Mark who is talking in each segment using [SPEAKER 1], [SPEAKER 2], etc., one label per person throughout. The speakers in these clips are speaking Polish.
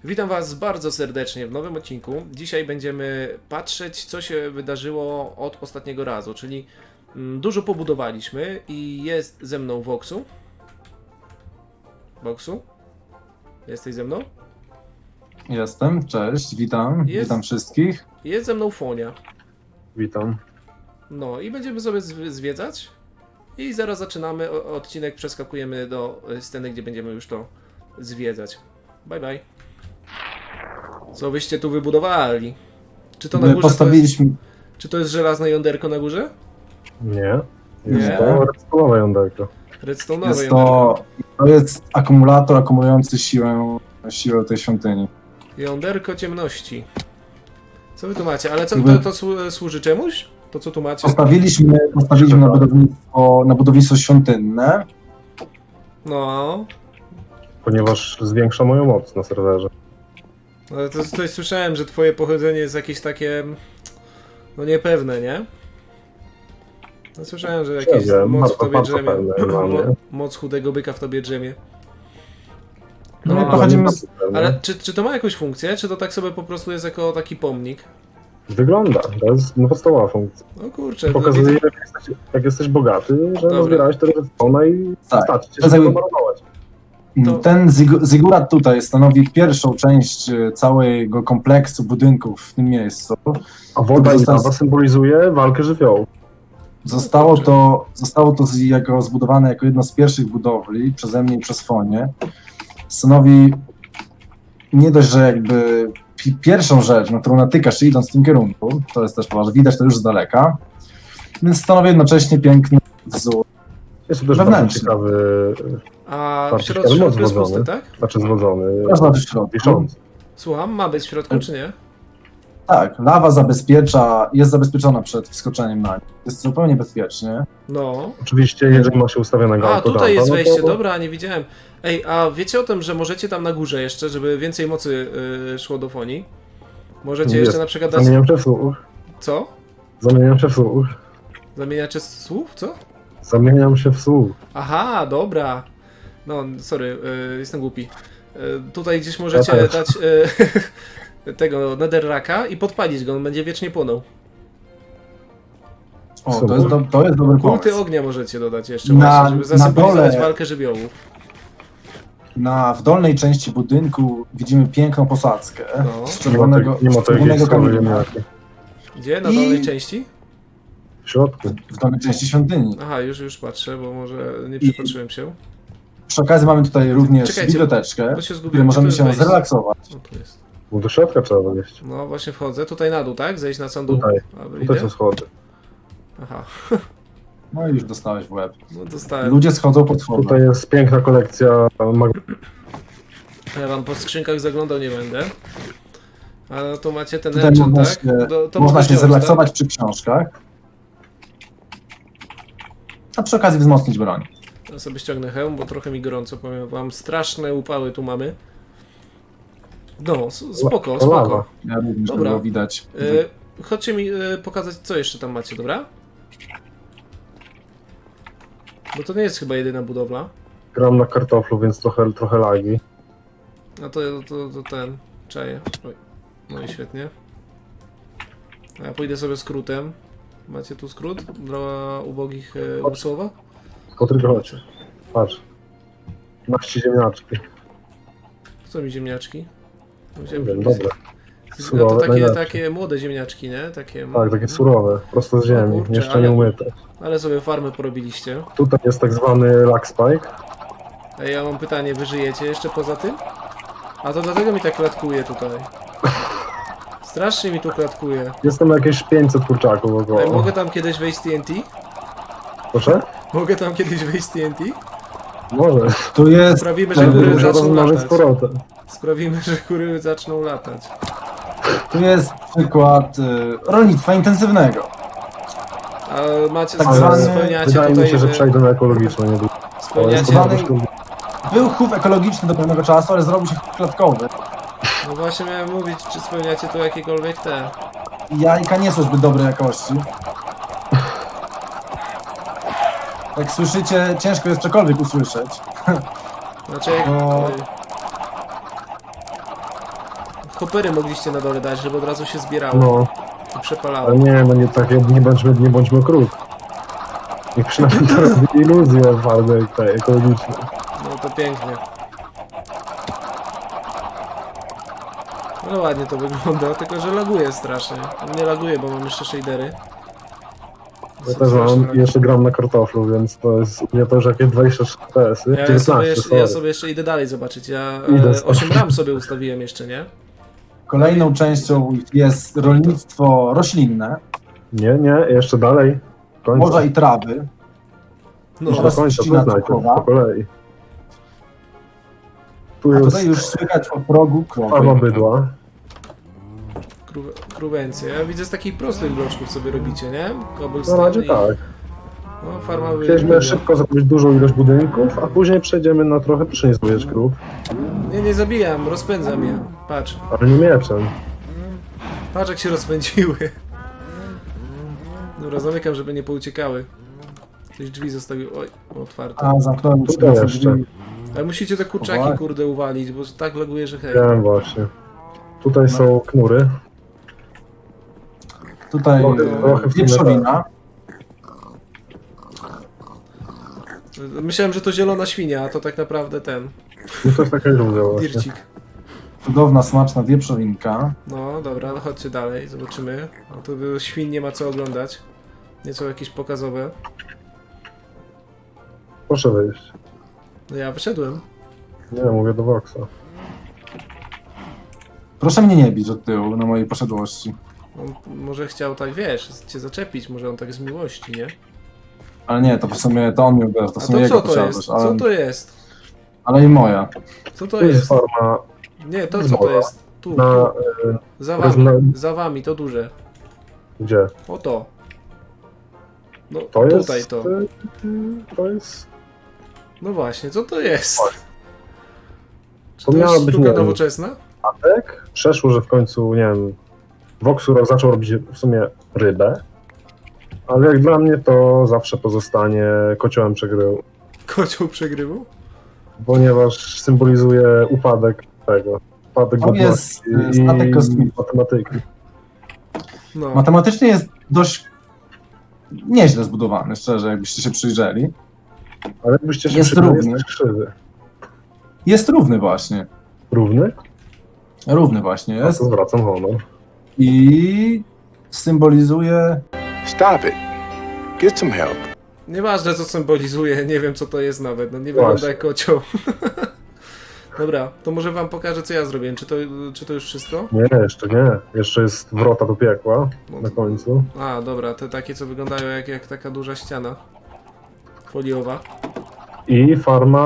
[SPEAKER 1] Witam Was bardzo serdecznie w nowym odcinku. Dzisiaj będziemy patrzeć, co się wydarzyło od ostatniego razu, czyli dużo pobudowaliśmy i jest ze mną Voxu. Voxu? Jesteś ze mną?
[SPEAKER 2] Jestem, cześć, witam, witam wszystkich.
[SPEAKER 1] Jest ze mną Fonia.
[SPEAKER 3] Witam.
[SPEAKER 1] No i będziemy sobie zwiedzać i zaraz zaczynamy odcinek, przeskakujemy do sceny, gdzie będziemy już to zwiedzać. Bye bye. Co wyście tu wybudowali? Czy to na
[SPEAKER 2] My
[SPEAKER 1] górze
[SPEAKER 2] postawiliśmy,
[SPEAKER 1] czy to jest żelazne jąderko na górze?
[SPEAKER 3] Nie.
[SPEAKER 1] Nie?
[SPEAKER 3] Jest to redstone'owe jąderko.
[SPEAKER 1] Redstone'owe
[SPEAKER 2] jest
[SPEAKER 1] jąderko.
[SPEAKER 2] to jest akumulator akumulujący siłę tej świątyni.
[SPEAKER 1] Jąderko ciemności. Co wy tu macie? Ale co,
[SPEAKER 2] Jakby-
[SPEAKER 1] to służy czemuś? To co tu macie?
[SPEAKER 2] Postawiliśmy na budownictwo świątynne.
[SPEAKER 1] No.
[SPEAKER 3] Ponieważ zwiększa moją moc na serwerze.
[SPEAKER 1] Ale to coś słyszałem, że twoje pochodzenie jest jakieś takie... No niepewne, nie? No, słyszałem, że jakieś
[SPEAKER 3] wiem,
[SPEAKER 1] moc w
[SPEAKER 3] bardzo,
[SPEAKER 1] tobie
[SPEAKER 3] bardzo
[SPEAKER 1] drzemie.
[SPEAKER 3] pewne dla mnie.
[SPEAKER 1] Moc chudego byka w tobie drzemie.
[SPEAKER 2] No,
[SPEAKER 1] No,
[SPEAKER 2] my pochodzimy z...
[SPEAKER 1] Ale czy to ma jakąś funkcję? Czy to tak sobie po prostu jest jako taki pomnik?
[SPEAKER 3] Wygląda. To jest podstawowa funkcja.
[SPEAKER 1] No kurczę, to
[SPEAKER 3] Pokazuje,
[SPEAKER 1] widzę...
[SPEAKER 3] jak jesteś bogaty, że
[SPEAKER 1] Dobra.
[SPEAKER 3] nazbierałeś tego redstone'a i
[SPEAKER 2] Tak.
[SPEAKER 3] starczy cię,
[SPEAKER 2] To
[SPEAKER 3] żeby
[SPEAKER 2] jest-
[SPEAKER 3] to marnować.
[SPEAKER 1] to-
[SPEAKER 2] Ten zigurat tutaj stanowi pierwszą część całego kompleksu budynków w tym miejscu.
[SPEAKER 3] A woda i
[SPEAKER 2] Został-
[SPEAKER 3] lawa symbolizuje walkę żywiołów.
[SPEAKER 2] Zostało to zbudowane jako jedno z pierwszych budowli przeze mnie i przez Fonię. Stanowi nie dość, że jakby pierwszą rzecz, na którą natykasz się idąc w tym kierunku, to jest też ważne, widać to już z daleka, więc stanowi jednocześnie piękny wzór.
[SPEAKER 3] Jest to też
[SPEAKER 2] Wewnętrzny.
[SPEAKER 3] bardzo ciekawy,
[SPEAKER 1] A w
[SPEAKER 3] Bardzo
[SPEAKER 1] środku
[SPEAKER 3] ciekawy
[SPEAKER 1] jest
[SPEAKER 3] moc
[SPEAKER 1] pusty,
[SPEAKER 3] włożony.
[SPEAKER 1] tak?
[SPEAKER 3] znaczy zwodzony,
[SPEAKER 2] Można w środku.
[SPEAKER 3] wiszący.
[SPEAKER 1] Słucham, ma być w środku, czy nie?
[SPEAKER 2] Tak, lawa jest zabezpieczona przed wskoczeniem na nie. Jest zupełnie bezpiecznie.
[SPEAKER 1] No.
[SPEAKER 3] Oczywiście, jeżeli ma się ustawionego
[SPEAKER 1] A,
[SPEAKER 3] autodumpa,
[SPEAKER 1] tutaj jest
[SPEAKER 3] no
[SPEAKER 1] wejście,
[SPEAKER 3] to-
[SPEAKER 1] dobra, nie widziałem. Ej, a wiecie o tym, że możecie tam na górze jeszcze, żeby więcej mocy szło do Fonii? Możecie
[SPEAKER 3] Jest.
[SPEAKER 1] jeszcze na przykład dać...
[SPEAKER 3] Zamieniam się w słuch.
[SPEAKER 1] Co?
[SPEAKER 3] Zamieniam się w słuch.
[SPEAKER 1] Zamieniacie słów? Co?
[SPEAKER 3] Zamieniam się w słuch.
[SPEAKER 1] Aha, dobra. No, sorry, jestem głupi. Tutaj gdzieś możecie
[SPEAKER 3] Ja też.
[SPEAKER 1] dać tego netherracka i podpalić go, on będzie wiecznie płonął.
[SPEAKER 2] O,
[SPEAKER 3] Super.
[SPEAKER 2] to jest dobry
[SPEAKER 1] Kulty
[SPEAKER 2] pomysł.
[SPEAKER 1] ognia możecie dodać jeszcze,
[SPEAKER 2] Na-
[SPEAKER 1] właśnie, żeby
[SPEAKER 2] na
[SPEAKER 1] zasymbolizować
[SPEAKER 2] dole-
[SPEAKER 1] walkę żywiołów.
[SPEAKER 2] W dolnej części budynku widzimy piękną posadzkę
[SPEAKER 1] No.
[SPEAKER 2] z czerwonego
[SPEAKER 3] Nie ma tej
[SPEAKER 2] czerwonego
[SPEAKER 3] skały
[SPEAKER 2] kamienia
[SPEAKER 3] ziemniaki.
[SPEAKER 1] Gdzie? Na
[SPEAKER 2] I-
[SPEAKER 1] dolnej części?
[SPEAKER 3] W środku.
[SPEAKER 2] w dolnej części świątyni.
[SPEAKER 1] Aha, już patrzę, bo może nie przypatrzyłem się.
[SPEAKER 2] Przy okazji mamy tutaj również
[SPEAKER 1] Czekajcie,
[SPEAKER 2] biblioteczkę,
[SPEAKER 1] Bo się
[SPEAKER 2] w
[SPEAKER 1] zgubiłem.
[SPEAKER 2] której możemy
[SPEAKER 1] Gdzie to
[SPEAKER 2] się
[SPEAKER 1] jest wejście?
[SPEAKER 2] zrelaksować.
[SPEAKER 1] No tu jest.
[SPEAKER 3] Bo do środka trzeba wejść.
[SPEAKER 1] No właśnie wchodzę. Tutaj na dół, tak? Zejść na sam dół.
[SPEAKER 3] Tutaj.
[SPEAKER 1] A,
[SPEAKER 3] Tutaj
[SPEAKER 1] idę?
[SPEAKER 3] są schody.
[SPEAKER 1] Aha,
[SPEAKER 2] No i już dostałeś w łeb.
[SPEAKER 1] no dostałem.
[SPEAKER 2] Ludzie schodzą pod schody.
[SPEAKER 3] Tutaj jest piękna kolekcja
[SPEAKER 1] Ja wam po skrzynkach zaglądał nie będę. Ale no to macie ten
[SPEAKER 2] Tutaj
[SPEAKER 1] enchant,
[SPEAKER 2] można
[SPEAKER 1] tak?
[SPEAKER 2] się,
[SPEAKER 1] To
[SPEAKER 2] można się
[SPEAKER 1] wziąć,
[SPEAKER 2] zrelaksować przy książkach. A przy okazji wzmocnić broń.
[SPEAKER 1] Tak? Ja sobie ściągnę hełm, bo trochę mi gorąco, powiem wam. Straszne upały tu mamy. No, spoko,
[SPEAKER 3] To
[SPEAKER 1] spoko.
[SPEAKER 3] lawa.
[SPEAKER 2] Ja również
[SPEAKER 1] Dobra.
[SPEAKER 2] było widać.
[SPEAKER 1] Chodźcie mi pokazać, co jeszcze tam macie, dobra? Bo to nie jest chyba jedyna budowla.
[SPEAKER 3] Gram na kartoflu, więc trochę lagi.
[SPEAKER 1] A to ten. Czaję. Oj. No i świetnie. A ja pójdę sobie skrótem. Macie tu skrót? Dla ubogich umysłowo?
[SPEAKER 3] Patryk, chodź. Patrz. Masz ci ziemniaczki.
[SPEAKER 1] Co mi ziemniaczki?
[SPEAKER 3] Nie wiem, dobre.
[SPEAKER 1] No to
[SPEAKER 3] Surowe, najlepsze.
[SPEAKER 1] takie młode ziemniaczki, nie? Takie,
[SPEAKER 3] Tak, takie surowe, prosto z ziemi,
[SPEAKER 1] kurczę,
[SPEAKER 3] jeszcze
[SPEAKER 1] ale-
[SPEAKER 3] nie umyte.
[SPEAKER 1] Ale sobie farmy porobiliście.
[SPEAKER 3] Tutaj jest tak zwany lag spike.
[SPEAKER 1] A ja mam pytanie, wy żyjecie jeszcze poza tym? A to dlatego mi tak klatkuje tutaj. Strasznie mi tu klatkuje.
[SPEAKER 3] Jestem jakieś 500 kurczaków
[SPEAKER 1] Ej,
[SPEAKER 3] około.
[SPEAKER 1] mogę tam kiedyś wejść z TNT?
[SPEAKER 3] Proszę?
[SPEAKER 1] Mogę tam kiedyś wejść z TNT?
[SPEAKER 3] Może.
[SPEAKER 2] Tu jest
[SPEAKER 1] Sprawimy, że góry
[SPEAKER 3] Muszę
[SPEAKER 1] zaczną
[SPEAKER 3] rozmnożyć z
[SPEAKER 1] latać.
[SPEAKER 3] powrotem.
[SPEAKER 1] Sprawimy, że góry zaczną latać.
[SPEAKER 2] przykład rolnictwa intensywnego.
[SPEAKER 1] A macie,
[SPEAKER 2] Tak
[SPEAKER 3] Ale
[SPEAKER 2] zwany-
[SPEAKER 1] spełniacie
[SPEAKER 3] wydaje mi
[SPEAKER 1] tutaj...
[SPEAKER 3] się, że przejdę na ekologiczne niedługo.
[SPEAKER 1] Spełniacie...
[SPEAKER 2] Zwany- Był chów ekologiczny do pewnego czasu, ale zrobił się chów klatkowy.
[SPEAKER 1] No właśnie miałem mówić, czy spełniacie tu jakiekolwiek te...
[SPEAKER 2] I jajka nie są zbyt dobrej jakości. Jak słyszycie, ciężko jest cokolwiek usłyszeć.
[SPEAKER 1] Znaczy jak...
[SPEAKER 2] No.
[SPEAKER 1] hopery mogliście na dole dać, żeby od razu się zbierało
[SPEAKER 3] No,
[SPEAKER 1] i przepalało.
[SPEAKER 3] ale nie, no nie tak, nie bądźmy kruk. Niech przynajmniej to robi iluzję twardej, tej ekologicznej.
[SPEAKER 1] No to pięknie. No ładnie to wygląda, tylko że laguje strasznie. Nie laguje, bo mam jeszcze shadery.
[SPEAKER 3] Ja też mam, i jeszcze gram na kartoflu, więc to jest nie to, że jakieś 23 FPS-y,
[SPEAKER 1] Ja
[SPEAKER 3] 19,
[SPEAKER 1] sobie, jeszcze,
[SPEAKER 3] sorry.
[SPEAKER 1] ja sobie jeszcze idę dalej zobaczyć. Ja
[SPEAKER 3] Idę sobie.
[SPEAKER 1] 8 ram sobie ustawiłem jeszcze, nie?
[SPEAKER 2] Kolejną częścią jest rolnictwo roślinne,
[SPEAKER 3] Nie, jeszcze dalej. Końca.
[SPEAKER 2] morza i trawy.
[SPEAKER 1] No,
[SPEAKER 3] Już do
[SPEAKER 2] oraz
[SPEAKER 3] końca,
[SPEAKER 2] trzcina
[SPEAKER 3] poznajcie,
[SPEAKER 2] cukrowa.
[SPEAKER 3] po kolei. Tu
[SPEAKER 2] A
[SPEAKER 3] jest
[SPEAKER 2] tutaj już słychać o progu
[SPEAKER 3] farma
[SPEAKER 2] krowy.
[SPEAKER 3] bydła.
[SPEAKER 1] Kruwencję. Ja widzę z takich prostych bloczków sobie robicie, nie?
[SPEAKER 3] Na
[SPEAKER 1] Cobblestone
[SPEAKER 3] razie
[SPEAKER 1] i...
[SPEAKER 3] tak.
[SPEAKER 1] No, farma
[SPEAKER 3] Chcieliśmy szybko zrobić dużą ilość budynków, a później przejdziemy na trochę przynieść krów,
[SPEAKER 1] Nie zabijam, rozpędzam je. Patrz.
[SPEAKER 3] ale nie mieczem.
[SPEAKER 1] Patrz jak się rozpędziły. Dobra, zamykam, żeby nie pouciekały. Ktoś drzwi zostawił. Oj, otwarte.
[SPEAKER 2] A zamknąłem już
[SPEAKER 3] Tutaj
[SPEAKER 2] na
[SPEAKER 3] jeszcze.
[SPEAKER 2] drzwi.
[SPEAKER 1] Ale musicie te kurczaki,
[SPEAKER 2] Chowaj.
[SPEAKER 1] kurde, uwalić, bo tak laguje, że hej.
[SPEAKER 3] Wiem właśnie. Tutaj są knury.
[SPEAKER 2] Tutaj
[SPEAKER 3] Trochę w sumie
[SPEAKER 2] wieprzowina.
[SPEAKER 1] Myślałem, że to zielona świnia, a to tak naprawdę ten.
[SPEAKER 3] No to jest taka iluzja właśnie.
[SPEAKER 1] Dircik.
[SPEAKER 2] Cudowna, smaczna wieprzowinka.
[SPEAKER 1] No dobra, no chodźcie dalej, zobaczymy. No to świn nie ma co oglądać. Nie są jakieś pokazowe.
[SPEAKER 3] Proszę wyjść.
[SPEAKER 1] No ja wyszedłem.
[SPEAKER 3] Nie, mówię do Voxa.
[SPEAKER 2] Proszę mnie nie bić od tyłu na mojej poszedłości.
[SPEAKER 1] On może chciał tak, wiesz, cię zaczepić, może on tak z miłości, nie?
[SPEAKER 2] Ale nie, to w sumie to on mi uderzył, to w
[SPEAKER 1] A
[SPEAKER 2] sumie
[SPEAKER 1] to
[SPEAKER 2] jego
[SPEAKER 1] co to jest?
[SPEAKER 2] posiadłość,
[SPEAKER 1] Co
[SPEAKER 2] ale,
[SPEAKER 1] to jest?
[SPEAKER 2] ale i moja.
[SPEAKER 1] Co to
[SPEAKER 3] Tu jest
[SPEAKER 1] jest?
[SPEAKER 3] farma
[SPEAKER 1] Nie, to co to jest? Tu,
[SPEAKER 3] na...
[SPEAKER 1] tu. Za wami,
[SPEAKER 3] rozna-
[SPEAKER 1] za wami, to duże.
[SPEAKER 3] Gdzie?
[SPEAKER 1] O to. No
[SPEAKER 3] To jest...
[SPEAKER 1] tutaj to.
[SPEAKER 3] To jest...
[SPEAKER 1] No właśnie, co to jest? Czy
[SPEAKER 3] To
[SPEAKER 1] to
[SPEAKER 3] miała
[SPEAKER 1] jest
[SPEAKER 3] być,
[SPEAKER 1] sztuka
[SPEAKER 3] nie wiem,
[SPEAKER 1] nowoczesna?
[SPEAKER 3] statek. Przeszło, że w końcu, nie wiem... Voxu zaczął robić w sumie rybę. Ale jak dla mnie to zawsze pozostanie kociołem przegrywu.
[SPEAKER 1] Kocioł przegrywu?
[SPEAKER 3] Ponieważ symbolizuje upadek tego. Upadek
[SPEAKER 2] To jest,
[SPEAKER 3] godności
[SPEAKER 2] statek
[SPEAKER 3] i
[SPEAKER 2] kosmiczny.
[SPEAKER 3] matematyki.
[SPEAKER 1] No.
[SPEAKER 2] Matematycznie jest dość nieźle zbudowany, szczerze, jakbyście się przyjrzeli.
[SPEAKER 3] Ale jakbyście się
[SPEAKER 2] Jest
[SPEAKER 3] przyjrzeli,
[SPEAKER 2] równy.
[SPEAKER 3] jest też krzywy.
[SPEAKER 2] Jest równy właśnie.
[SPEAKER 3] Równy?
[SPEAKER 2] Równy właśnie
[SPEAKER 3] Ja
[SPEAKER 2] jest.
[SPEAKER 3] to zwracam honor.
[SPEAKER 2] I symbolizuje...
[SPEAKER 4] Stop it. Get some help.
[SPEAKER 1] Nieważne co symbolizuje, nie wiem co to jest nawet, no nie
[SPEAKER 3] Właśnie.
[SPEAKER 1] wygląda jak kocioł. Dobra, to może wam pokażę co ja zrobiłem, czy to już wszystko?
[SPEAKER 3] Nie, jeszcze nie. Jeszcze jest wrota do piekła na końcu.
[SPEAKER 1] A, dobra, te takie co wyglądają jak taka duża ściana foliowa.
[SPEAKER 3] I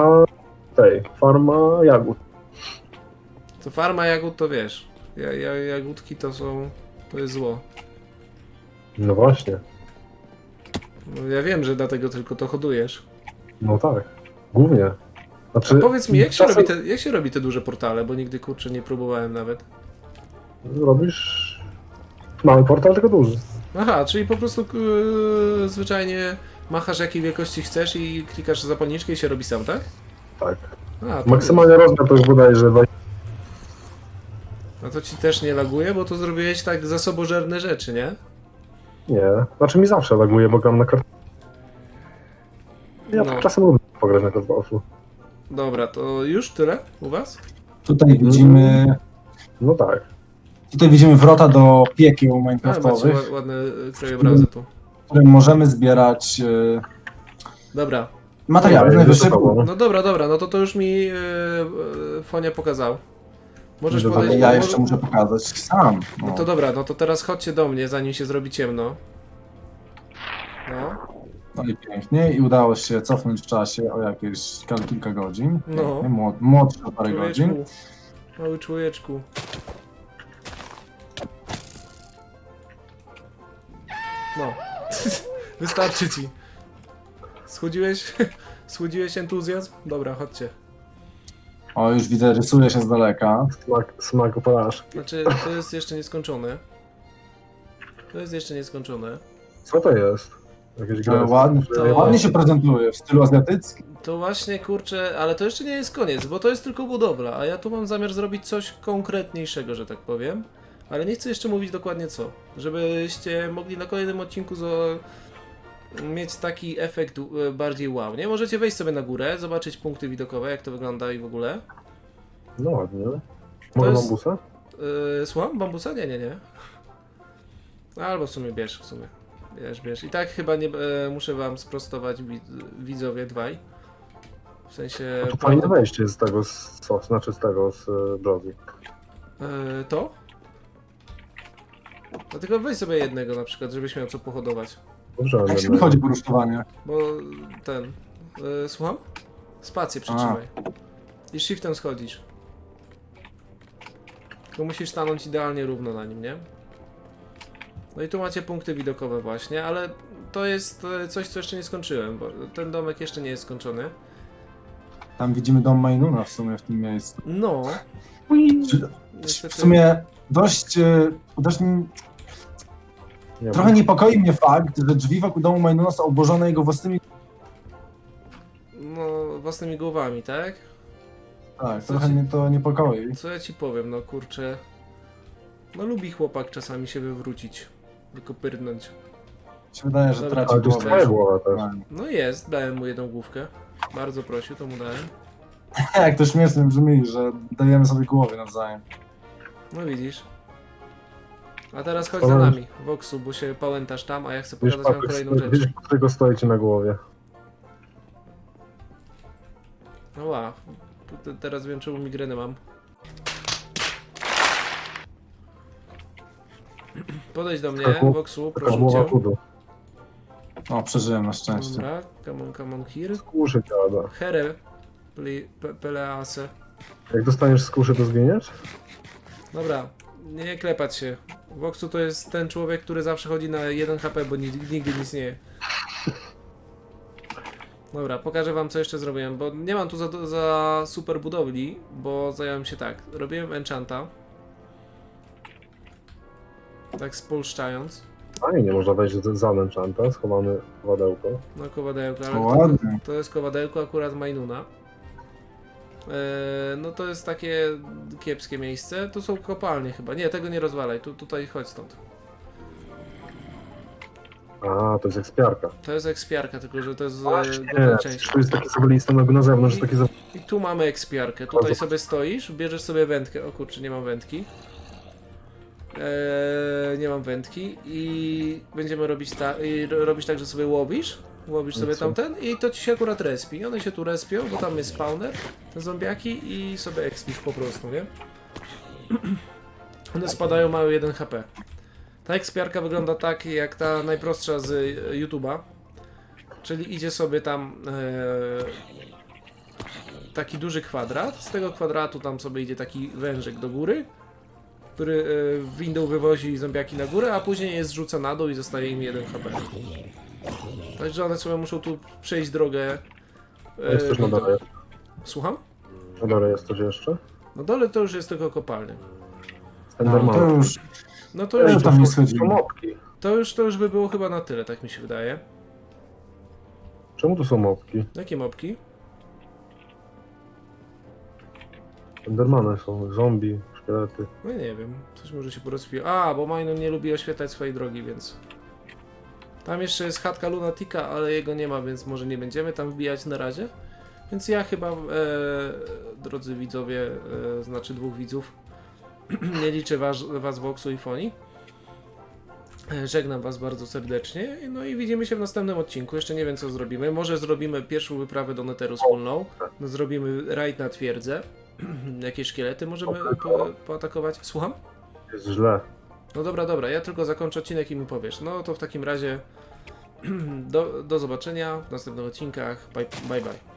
[SPEAKER 3] farma jagód.
[SPEAKER 1] To farma jagód to wiesz, jagódki to jest zło.
[SPEAKER 3] No właśnie.
[SPEAKER 1] No, ja wiem, że dlatego tylko to hodujesz.
[SPEAKER 3] No tak. Głównie. Znaczy,
[SPEAKER 1] A powiedz mi,
[SPEAKER 3] czasem
[SPEAKER 1] jak się robi te duże portale, bo nigdy kurczę nie próbowałem nawet.
[SPEAKER 3] robisz mały portal, tylko duży.
[SPEAKER 1] Aha, czyli po prostu zwyczajnie machasz jakiej wielkości chcesz i klikasz zapalniczkę i się robi sam, tak?
[SPEAKER 3] Tak.
[SPEAKER 1] A, to
[SPEAKER 3] Maksymalny rozmiar to już bodajże
[SPEAKER 1] No to ci też nie laguje, bo to zrobiłeś tak zasobożerne rzeczy, nie?
[SPEAKER 3] Nie. Znaczy mi zawsze laguje, bo gram na kart... Ja
[SPEAKER 1] No.
[SPEAKER 3] czasem lubię pograć na kartoflu.
[SPEAKER 1] Dobra, to już tyle u was?
[SPEAKER 2] Tutaj widzimy...
[SPEAKER 3] No tak.
[SPEAKER 2] Tutaj widzimy wrota do piekieł
[SPEAKER 1] A, macie
[SPEAKER 2] minecraftowych,
[SPEAKER 1] ładne krajobrazy tu.
[SPEAKER 2] w którym możemy zbierać
[SPEAKER 1] Dobra,
[SPEAKER 2] materiały z
[SPEAKER 3] Ej,
[SPEAKER 2] najwyższej
[SPEAKER 3] to
[SPEAKER 2] półki.
[SPEAKER 1] no dobra, no to już mi Fonia pokazał. Możesz
[SPEAKER 3] Dobra,
[SPEAKER 1] podejść...
[SPEAKER 2] Ale ja
[SPEAKER 1] może-
[SPEAKER 2] jeszcze muszę pokazać sam.
[SPEAKER 1] No to dobra, no to teraz chodźcie do mnie, zanim się zrobi ciemno. No.
[SPEAKER 2] No i pięknie. I udało się cofnąć w czasie o jakieś kilka godzin.
[SPEAKER 1] No.
[SPEAKER 2] Pięknie, młodszy o parę godzin.
[SPEAKER 1] Człowieczku, mały człowieczku. No. Wystarczy ci. Schłodziłeś? Schłodziłeś entuzjazm? Dobra, chodźcie.
[SPEAKER 2] O, już widzę, rysuje się z daleka.
[SPEAKER 3] Smak porażki.
[SPEAKER 1] Znaczy, to jest jeszcze nieskończone. To jest jeszcze nieskończone.
[SPEAKER 3] Co to jest? Jakieś
[SPEAKER 2] Ale
[SPEAKER 3] gry.
[SPEAKER 2] ładnie,
[SPEAKER 1] To-
[SPEAKER 2] ładnie się prezentuje, w stylu azjatyckim.
[SPEAKER 1] To właśnie, kurczę, ale to jeszcze nie jest koniec, bo to jest tylko budowla, a ja tu mam zamiar zrobić coś konkretniejszego, że tak powiem. Ale nie chcę jeszcze mówić dokładnie co, żebyście mogli na kolejnym odcinku mieć taki efekt bardziej wow, nie? Możecie wejść sobie na górę, zobaczyć punkty widokowe, jak to wygląda i w ogóle.
[SPEAKER 3] No ładnie. Może
[SPEAKER 1] jest-
[SPEAKER 3] bambusa?
[SPEAKER 1] Słucham? Bambusa? Nie. Albo w sumie bierz, Bierz. I tak chyba nie muszę wam sprostować, widzowie, dwaj. W sensie...
[SPEAKER 3] To fajne wejście z tego, znaczy z tego, z Josie.
[SPEAKER 1] To? No tylko weź sobie jednego na przykład, żebyś miał co pohodować.
[SPEAKER 3] Dobrze,
[SPEAKER 2] Jak się
[SPEAKER 3] ale
[SPEAKER 2] wychodzi po rusztowanie?
[SPEAKER 1] Bo ten... słucham? Spację przytrzymaj. I shiftem schodzisz. Tylko musisz stanąć idealnie równo na nim, nie? No i tu macie punkty widokowe właśnie, ale to jest coś, co jeszcze nie skończyłem, bo ten domek jeszcze nie jest skończony.
[SPEAKER 2] Tam widzimy dom Majnuna w sumie w tym miejscu.
[SPEAKER 1] No,
[SPEAKER 2] Czy-
[SPEAKER 1] niestety...
[SPEAKER 2] W sumie dość
[SPEAKER 3] nie
[SPEAKER 2] trochę niepokoi mnie fakt, że drzwi wokół domu Majnuna są obłożone jego własnymi...
[SPEAKER 1] No, własnymi głowami, tak?
[SPEAKER 2] Tak,
[SPEAKER 1] Co
[SPEAKER 2] trochę
[SPEAKER 1] ci-
[SPEAKER 2] mnie to niepokoi.
[SPEAKER 1] Co ja ci powiem, no kurczę. No lubi chłopak czasami się wywrócić, wykopyrnąć.
[SPEAKER 2] Mi się wydaje, że
[SPEAKER 1] Dobra,
[SPEAKER 2] traci
[SPEAKER 3] Ale to jest
[SPEAKER 2] głowę.
[SPEAKER 3] twoja głowa też.
[SPEAKER 1] No jest, dałem mu jedną główkę. Bardzo prosił, to mu dałem.
[SPEAKER 2] Jak to śmiesznie brzmi, że dajemy sobie głowy nawzajem.
[SPEAKER 1] No widzisz. A teraz chodź
[SPEAKER 3] Ale-
[SPEAKER 1] za nami, Voxu, bo się pałętasz tam, a ja chcę
[SPEAKER 3] Wiesz,
[SPEAKER 1] pokazać wam kolejną rzecz.
[SPEAKER 3] wiesz, którego stoicie na głowie.
[SPEAKER 1] No wow, teraz wiem czemu migrenę mam. Podejdź do mnie,
[SPEAKER 3] Taka
[SPEAKER 1] Voxu,
[SPEAKER 3] Taka
[SPEAKER 1] proszę
[SPEAKER 3] głowa
[SPEAKER 1] cię.
[SPEAKER 3] kudu.
[SPEAKER 2] O, przeżyłem na szczęście.
[SPEAKER 1] Dobra, come on here.
[SPEAKER 3] Skórzy dziada.
[SPEAKER 1] Here, pelease.
[SPEAKER 3] Jak dostaniesz skórzy, to zginiesz?
[SPEAKER 1] Dobra, nie klepać się. Voxu to jest ten człowiek, który zawsze chodzi na 1 HP, bo nigdy nic nie je. Dobra, pokażę wam co jeszcze zrobiłem, bo nie mam tu za super budowli, bo zająłem się tak. Robiłem enchanta. Tak spolszczając.
[SPEAKER 3] Fajnie, można wejść za enchanta, schowamy wadełko.
[SPEAKER 1] No kowadełko, ale
[SPEAKER 2] O, ładnie.
[SPEAKER 1] to jest kowadełko akurat Majnuna. No to jest takie kiepskie miejsce. Tu są kopalnie chyba. Nie, tego nie rozwalaj. Tutaj chodź stąd.
[SPEAKER 3] A, to jest ekspiarka.
[SPEAKER 1] To jest ekspiarka, tylko że to jest
[SPEAKER 3] Nie,
[SPEAKER 1] górna część.
[SPEAKER 3] to jest taki zawalista na zewnątrz, jest taki
[SPEAKER 1] I tu mamy ekspiarkę. Tutaj sobie stoisz, bierzesz sobie wędkę. O kurczę, nie mam wędki. Nie mam wędki i będziemy robić robisz tak, że sobie łowisz sobie
[SPEAKER 3] co?
[SPEAKER 1] tamten i to ci się akurat respi. One się tu respią, bo tam jest spawner, te zombiaki i sobie expisz po prostu, nie? One spadają, mają 1 HP. Ta ekspiarka wygląda tak jak ta najprostsza z YouTube'a, czyli idzie sobie tam taki duży kwadrat, z tego kwadratu tam sobie idzie taki wężyk do góry, który windą wywozi zombiaki na górę, a później je zrzuca na dół i zostaje im 1 HP. Także one sobie muszą tu przejść drogę.
[SPEAKER 3] Jest też na dole.
[SPEAKER 1] Słucham?
[SPEAKER 3] Na dole jest coś jeszcze?
[SPEAKER 1] Na dole to już jest tylko kopalnia.
[SPEAKER 2] No,
[SPEAKER 3] Enderman.
[SPEAKER 2] to już
[SPEAKER 1] No to
[SPEAKER 2] Ja
[SPEAKER 1] już,
[SPEAKER 2] tam nie
[SPEAKER 3] To
[SPEAKER 2] schodzimy.
[SPEAKER 3] mopki.
[SPEAKER 1] to już by było chyba na tyle, tak mi się wydaje.
[SPEAKER 3] Czemu tu są mopki?
[SPEAKER 1] Jakie mopki?
[SPEAKER 3] Endermany są, zombie, szkielety.
[SPEAKER 1] No nie wiem, coś może się porozpiło. A, bo Majnun nie lubi oświetlać swojej drogi, więc... Tam jeszcze jest chatka Lunatika, ale jego nie ma, więc może nie będziemy tam wbijać na razie. Więc ja chyba, drodzy widzowie, znaczy 2 widzów, nie liczę was Voxu i Foni. Żegnam was bardzo serdecznie, no i widzimy się w następnym odcinku. Jeszcze nie wiem co zrobimy. Może zrobimy pierwszą wyprawę do Netheru wspólną. No, zrobimy raid na twierdzę. Jakieś szkielety możemy poatakować. Słucham?
[SPEAKER 3] Jest źle.
[SPEAKER 1] No dobra, ja tylko zakończę odcinek i mi powiesz. No to w takim razie do zobaczenia w następnych odcinkach. Bye bye.